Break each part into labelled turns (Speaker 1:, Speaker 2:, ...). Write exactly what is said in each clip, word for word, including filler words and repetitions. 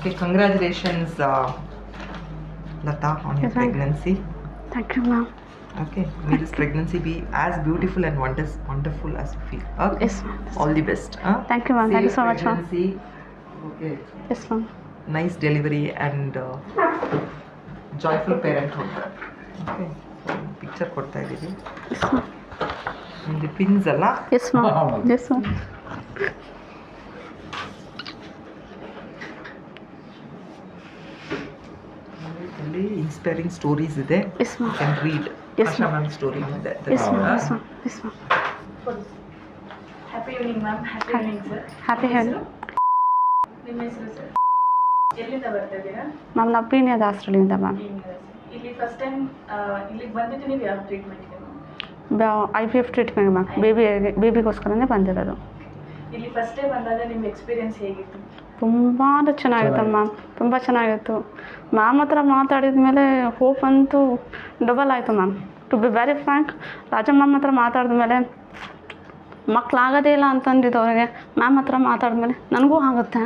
Speaker 1: Okay, congratulations, uh, Lata, on your
Speaker 2: Yes, ma'am.
Speaker 1: pregnancy.
Speaker 2: Thank you, ma'am.
Speaker 1: Okay, may this pregnancy be as beautiful and wonders, wonderful as you feel. Okay,
Speaker 2: Yes, ma'am.
Speaker 1: all the best. Huh?
Speaker 2: Thank you, ma'am. Thank you
Speaker 1: Safe
Speaker 2: so much, ma'am.
Speaker 1: pregnancy. Okay,
Speaker 2: Yes, ma'am.
Speaker 1: nice delivery and uh, joyful parenthood. Okay, so picture ಕೊಡ್ತಾ ಇದ್ದೀವಿ.
Speaker 2: Yes, ma'am.
Speaker 1: ನಿಮ್ದು pins ಅಲ್ಲ?
Speaker 2: Yes, ma'am. Yes, ma'am.
Speaker 1: ಅಲ್ಲಿ inspiring stories ಇದೆ.
Speaker 2: Yes, ma'am.
Speaker 1: You can read.
Speaker 2: Yes,
Speaker 1: Asha
Speaker 2: ma'am.
Speaker 1: Ma'am story ಇದೆ.
Speaker 2: Yes, ma'am. Yes, ma'am. Yes, ma'am.
Speaker 3: Happy evening ma'am. Happy evening sir.
Speaker 2: Happy health.
Speaker 3: ನಿಮ್ಮ ಹೆಸರು sir? ಎಲ್ಲಿಂದ ಬರ್ತಾ ಇದ್ದೀರಾ?
Speaker 2: Ma'am ನಾವು ಪೀಣ್ಯ ದಾಸರಳ್ಳಿಯಿಂದ ಮ್ಯಾಮ್.
Speaker 3: ಇಲ್ಲಿ ಫಸ್ಟ್ ಟೈಮ್ ಇಲ್ಲಿಗೆ ಬಂದಿದ್ದು ನೀವು ಯಾವ ಟ್ರೀಟ್ಮೆಂಟ್ಗೆ ma'am?
Speaker 2: I P F treatment ma'am. Baby ಬೇಬಿಗೋಸ್ಕರನೇ ಬಂದಿರೋದು.
Speaker 3: ಇಲ್ಲಿ ಫಸ್ಟ್ ಟೈಮ್ ಬಂದಾಗ ನಿಮ್ಮ ಎಕ್ಸ್ಪೀರಿಯನ್ಸ್ ಹೇಗಿತ್ತು?
Speaker 2: ತುಂಬ ಚೆನ್ನಾಗಿತ್ತು ಮ್ಯಾಮ್. ತುಂಬ ಚೆನ್ನಾಗಿತ್ತು. ಮ್ಯಾಮ್ ಹತ್ರ ಮಾತಾಡಿದ ಮೇಲೆ ಹೋಪ್ ಅಂತೂ ಡಬಲ್ ಆಯಿತು ma'am. To be very frank, Rajamma ma'am ಹತ್ರ ಮಾತಾಡಿದ ಮೇಲೆ ಮಕ್ಕಳಾಗೋದೇ ಇಲ್ಲ ಅಂತಂದಿದ್ದು ಅವರಿಗೆ ಮ್ಯಾಮ್ ಹತ್ರ ಮಾತಾಡಿದ್ಮೇಲೆ ನನಗೂ ಆಗುತ್ತೆ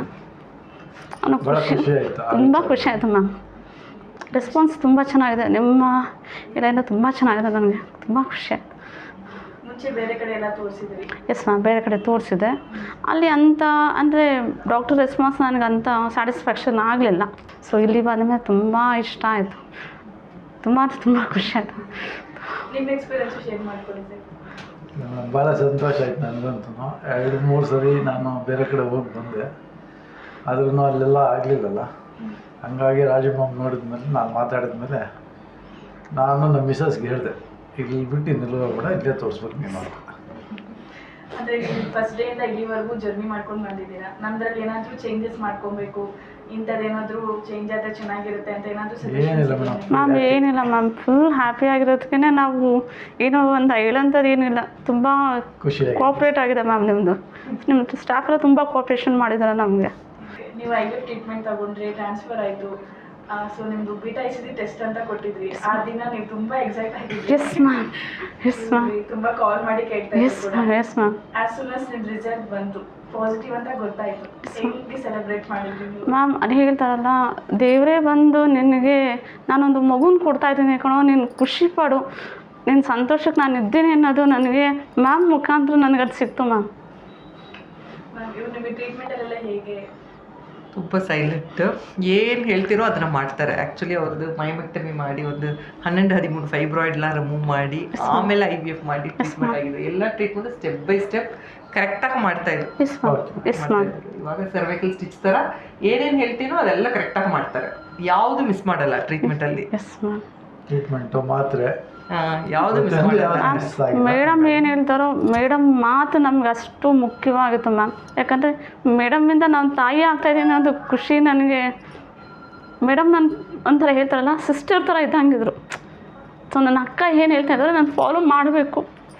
Speaker 2: ಅನ್ನೋ ಖುಷಿ, ತುಂಬ ಖುಷಿ ಆಯಿತು ಮ್ಯಾಮ್. ರೆಸ್ಪಾನ್ಸ್ ತುಂಬ ಚೆನ್ನಾಗಿದೆ. ನಿಮ್ಮ ಕಡೆಯಿಂದ ತುಂಬ ಚೆನ್ನಾಗಿದೆ. ನನಗೆ ತುಂಬ ಖುಷಿ ಆಯಿತು.
Speaker 3: ಮುಂಚೆ ಬೇರೆ ಕಡೆ ಎಲ್ಲ ತೋರಿಸಿದ್ರಿ?
Speaker 2: ಎಸ್ ಮ್ಯಾಮ್, ಬೇರೆ ಕಡೆ ತೋರಿಸಿದೆ. ಅಲ್ಲಿ ಅಂಥ ಅಂದರೆ ಡಾಕ್ಟರ್ ರೆಸ್ಪಾನ್ಸ್ ನನಗೆ ಅಂಥ ಸ್ಯಾಟಿಸ್ಫ್ಯಾಕ್ಷನ್ ಆಗಲಿಲ್ಲ. ಸೊ ಇಲ್ಲಿ ಬಂದಮೇಲೆ ತುಂಬ ಇಷ್ಟ ಆಯಿತು. ತುಂಬ ಅಂದರೆ ತುಂಬ ಖುಷಿ ಆಯಿತು.
Speaker 3: ನಿಮ್ಮ ಎಕ್ಸ್ಪೀರಿಯನ್ಸ್ ಶೇರ್ ಮಾಡ್ಕೊಂಡಿದ್ದೆ?
Speaker 4: ಭಾಳ ಸಂತೋಷ ಆಯ್ತು ನನಗಂತೂ. ಎರಡು ಮೂರು ಸರಿ ನಾನು ಬೇರೆ ಕಡೆ ಹೋಗಿ ಬಂದೆ, ಆದ್ರೂ ಅಲ್ಲೆಲ್ಲ ಆಗಲಿಲ್ಲಲ್ಲ. ಹಂಗಾಗಿ ರಾಜಮ್ಮ ನೋಡಿದ್ಮೇಲೆ ನಾನು ಮಾತಾಡಿದ್ಮೇಲೆ ನಾನು ನಮ್ಮ ಮಿಸಸ್ಗೆ ಹೇಳಿದೆ, ಇಲ್ಲಿ ಬಿಟ್ಟು ಇನ್ನೆಲ್ಲ ಕೂಡ ಇಲ್ಲೇ ತೋರಿಸ್ಬೇಕು ನೀನು ಅಂತ.
Speaker 3: ಅಂದರೆ ಫಸ್ಟ್ ಡೇಯಿಂದ ಇಲ್ಲಿವರೆಗೂ ಜರ್ನಿ ಮಾಡ್ಕೊಂಡು ಬಂದಿದ್ದೀರಾ. ನಮ್ಮದ್ರಲ್ಲಿ ಏನಾದರೂ ಚೇಂಜಸ್ ಮಾಡ್ಕೊಬೇಕು, ಇಂಥದ್ದೇನಾದರೂ ಚೇಂಜ್ ಆದರೆ ಚೆನ್ನಾಗಿರುತ್ತೆ ಅಂತ ಏನಾದರೂ
Speaker 4: ಏನಿಲ್ಲ ಮೇಡಮ್.
Speaker 2: ಮ್ಯಾಮ್ ಏನಿಲ್ಲ ಮ್ಯಾಮ್, ಫುಲ್ ಹ್ಯಾಪಿ ಆಗಿರೋದಕ್ಕೆ ನಾವು ಏನೋ ಒಂದು ಹೇಳೋಂಥದ್ದು ಏನಿಲ್ಲ. ತುಂಬ
Speaker 4: ಖುಷಿ
Speaker 2: ಕೋಆಪ್ರೇಟ್ ಆಗಿದೆ ಮ್ಯಾಮ್. ನಿಮ್ಮದು ನಿಮ್ಮ ಸ್ಟಾಫ್ ಎಲ್ಲ ತುಂಬ ಕೋಆಪ್ರೇಷನ್ ಮಾಡಿದ್ದಾರೆ ನಮಗೆ.
Speaker 3: ನೀವು ಐ ವಿ ಎಫ್ ಟ್ರೀಟ್ಮೆಂಟ್ ತಗೊಂಡ್ರೆ ಟ್ರಾನ್ಸ್ಫರ್ ಆಯಿತು. ಸೊ ನಿಮ್ಮದು beta I C D test ಅಂತ ಕೊಟ್ಟಿದ್ರಿ. ಆ ದಿನ ನೀವು ತುಂಬ ಎಕ್ಸೈಟ್ ಆಗಿದ್ರಿ.
Speaker 2: Yes ma'am. Yes ma'am.
Speaker 3: ತುಂಬ ಕಾಲ್ ಮಾಡಿ ಕೇಳ್ತಾ
Speaker 2: yes ma'am. Yes ma'am.
Speaker 3: As soon as ನಿಮ್ಮ ರಿಸಲ್ಟ್ ಬಂತು ಪಾಸಿಟಿವ್ ಅಂತ ಗೊತ್ತಾಯಿತು, ಹೆಂಗೆ ಸೆಲೆಬ್ರೇಟ್ ಮಾಡಿದ್ರಿ ನೀವು?
Speaker 2: ಮ್ಯಾಮ್ ಅದು ಹೇಳ್ತಾರಲ್ಲ, ದೇವರೇ ಬಂದು ನಿನಗೆ ನಾನೊಂದು ಮಗುನ ಕೊಡ್ತಾ ಇದ್ದೀನಿ ಕಣೋ, ನೀನು ಖುಷಿ ಪಡು, ನಿನ್ನ ಸಂತೋಷಕ್ಕೆ ನಾನು ಇದ್ದೀನಿ ಅನ್ನೋದು ನನಗೆ ಮ್ಯಾಮ್ ಮುಖಾಂತರ ನನಗೆ ಅದು ಸಿಕ್ತು ಮ್ಯಾಮ್.
Speaker 3: ಮ್ಯಾಮ್ ಇವ್ರು ನಿಮಗೆ ಟ್ರೀಟ್ಮೆಂಟಲ್ಲೆಲ್ಲ ಹೇಗೆ?
Speaker 1: ತುಂಬ ಸೈಲೆಂಟ್, ಏನು ಹೇಳ್ತಿರೋ ಅದನ್ನು ಮಾಡ್ತಾರೆ. ಆ್ಯಕ್ಚುಲಿ ಅವ್ರದ್ದು ಮೈಮೆಕ್ಟಮಿ ಮಾಡಿ ಒಂದು ಹನ್ನೊಂದು ಹದಿಮೂರು ಫೈಬ್ರಾಯ್ಡ್ನ ರಿಮೂವ್ ಮಾಡಿ ಆಮೇಲೆ ಐ ವಿ ಎಫ್ ಮಾಡಿ ಟ್ರೀಟ್ಮೆಂಟ್ ಆಗಿದೆ. ಎಲ್ಲ ಟ್ರೀಟ್ಮೆಂಟ್ ಸ್ಟೆಪ್ ಬೈ ಸ್ಟೆಪ್ ಕರೆಕ್ಟಾಗಿ ಮಾಡ್ತಾ ಇದ್ರು.
Speaker 2: Yes ma'am. Yes ma'am.
Speaker 1: ಇವಾಗ ಸರ್ವೈಕಲ್ ಸ್ಟಿಚ್ ಥರ ಏನೇನು ಹೇಳ್ತೀನೋ ಅದೆಲ್ಲ ಕರೆಕ್ಟಾಗಿ ಮಾಡ್ತಾರೆ. ಯಾವುದು ಮಿಸ್ ಮಾಡಲ್ಲ ಟ್ರೀಟ್ಮೆಂಟಲ್ಲಿ.
Speaker 2: Yes ma'am.
Speaker 4: ಟ್ರೀಟ್ಮೆಂಟು ಮಾತ್ರೆ
Speaker 1: ಯಾವುದು ಮಿಸ್ ಮಾಡಲ್ಲ.
Speaker 2: ಮೇಡಮ್ ಏನು ಹೇಳ್ತಾರೋ ಮೇಡಮ್ ಮಾತು ನಮ್ಗೆ ಅಷ್ಟು ಮುಖ್ಯವಾಗಿತ್ತು ಮ್ಯಾಮ್. ಯಾಕಂದರೆ ಮೇಡಮ್ಮಿಂದ ನಾನು ತಾಯಿ ಆಗ್ತಾಯಿದ್ದೀನಿ ಅನ್ನೋದು ಖುಷಿ ನನಗೆ. ಮೇಡಮ್ ನಾನು ಒಂಥರ ಹೇಳ್ತಾರಲ್ಲ, ಸಿಸ್ಟರ್ ಥರ ಇದ್ದಂಗಿದ್ರು. ಸೊ ನನ್ನ ಅಕ್ಕ ಏನು ಹೇಳ್ತಾ ಇದ್ದಾರೆ ನಾನು ಫಾಲೋ ಮಾಡಬೇಕು.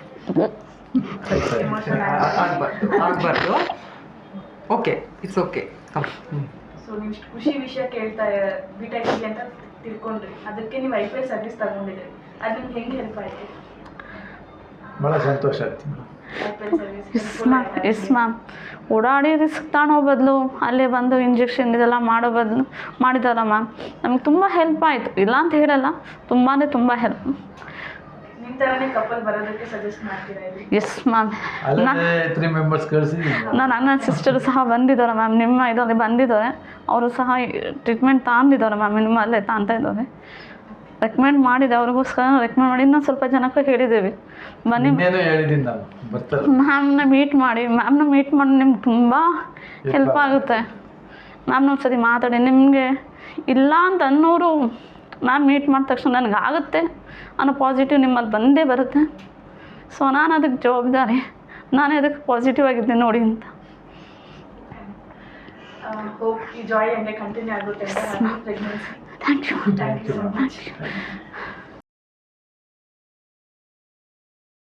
Speaker 1: ಆಗಬಾರ್ದು ಆಗಬಾರ್ದು ಓಕೆ, ಇಟ್ಸ್ ಓಕೆ.
Speaker 3: ಸೊ ನೀವು ಇಷ್ಟು ಖುಷಿ ವಿಷಯ ಕೇಳ್ತಾ ಬೀಟಾ ಐ ಸಿ ಡಿ ಅಂತ ತಿಳ್ಕೊಂಡ್ರಿ, ಅದಕ್ಕೆ ನೀವು ಐ ಪಿ ಎಲ್ ಸರ್ವಿಸ್ ತಗೊಂಡಿದ್ರಿ. ಅದು ನಿಮ್ಗೆ ಹೆಂಗೆ ಹೆಲ್ಪ್ ಆಯಿತು?
Speaker 4: ಭಾಳ ಸಂತೋಷ ಆಯ್ತು.
Speaker 3: I P L service
Speaker 2: yes ma'am. Yes ma'am. ಓಡಾಡಿ ರಿಸ್ಕ್ ತಗೊಳ್ಳೋ ಬದಲು ಅಲ್ಲೇ ಬಂದು ಇಂಜೆಕ್ಷನ್ ಇದೆಲ್ಲ ಮಾಡೋ ಬದಲು ಮಾಡಿದಾರ ಮ್ಯಾಮ್, ನಮಗೆ ತುಂಬ ಹೆಲ್ಪ್ ಆಯಿತು. ಇಲ್ಲ ಅಂತ ಹೇಳಲ್ಲ, ತುಂಬಾ ತುಂಬ ಹೆಲ್ಪ್.
Speaker 3: ನಿಮ್ಮ ಥರನೇ ಕಪಲ್ ಬರೋದಕ್ಕೆ ಸಜೆಸ್ಟ್ ಮಾಡ್ತೀರಾ ಇಲ್ಲಿ?
Speaker 2: Yes ma'am.
Speaker 4: ಅಲ್ಲೇ ತ್ರೀ ಮೆಂಬರ್ಸ್ ಕಳಿಸಿದ್ದೀನಿ.
Speaker 2: ನಾನು ನನ್ನ ಸಿಸ್ಟರು ಸಹ ಬಂದಿದ್ದಾರೆ ಮ್ಯಾಮ್, ನಿಮ್ಮ ಇದರಲ್ಲಿ ಬಂದಿದ್ದಾರೆ. ಅವರು ಸಹ ಟ್ರೀಟ್ಮೆಂಟ್ ತಗೊಂಡಿದ್ದಾರೆ ಮ್ಯಾಮ್, ನಿಮ್ಮಲ್ಲೇ ತಾಂತ ಇದ್ದಾರೆ. ರೆಕಮೆಂಡ್ ಮಾಡಿದೆ ಅವ್ರಿಗೋಸ್ಕರ ರೆಕಮೆಂಡ್ ಮಾಡಿ ಇನ್ನೊಂದು ಸ್ವಲ್ಪ ಜನಕ್ಕೆ ಹೇಳಿದ್ದೀವಿ ಬನ್ನಿ
Speaker 4: ಹೇಳಿದ್ದೀನಿ ನಾನು ಬರ್ತಾರೆ
Speaker 2: ಮ್ಯಾಮ್ನ ಮೀಟ್ ಮಾಡಿ. ಮ್ಯಾಮ್ನ ಮೀಟ್ ಮಾಡಿ ನಿಮ್ಗೆ ತುಂಬ ಹೆಲ್ಪ್ ಆಗುತ್ತೆ. ಮ್ಯಾಮ್ನ ಒಂದು ಸರಿ ಮಾತಾಡಿ, ನಿಮಗೆ ಇಲ್ಲ ಅಂತ ಅನ್ನೋರು ಮ್ಯಾಮ್ ಮೀಟ್ ಮಾಡಿದ ತಕ್ಷಣ ನನಗೆ ಆಗುತ್ತೆ ಅನ್ನೋ ಪಾಸಿಟಿವ್ ನಿಮ್ಮಲ್ಲಿ ಬಂದೇ ಬರುತ್ತೆ. ಸೊ ನಾನು ಅದಕ್ಕೆ ಜವಾಬ್ದಾರಿ, ನಾನೇ ಅದಕ್ಕೆ ಪಾಸಿಟಿವ್ ಆಗಿದ್ದೆ ನೋಡಿ ಅಂತ.
Speaker 3: ಹೋಪ್ ಈ ಜಾಯ್ ಹಂಗೆ ಕಂಟಿನ್ಯೂ ಆಗುತ್ತೆ ಅಂತ. Pregnancy
Speaker 2: thank you.
Speaker 3: Thank you so much.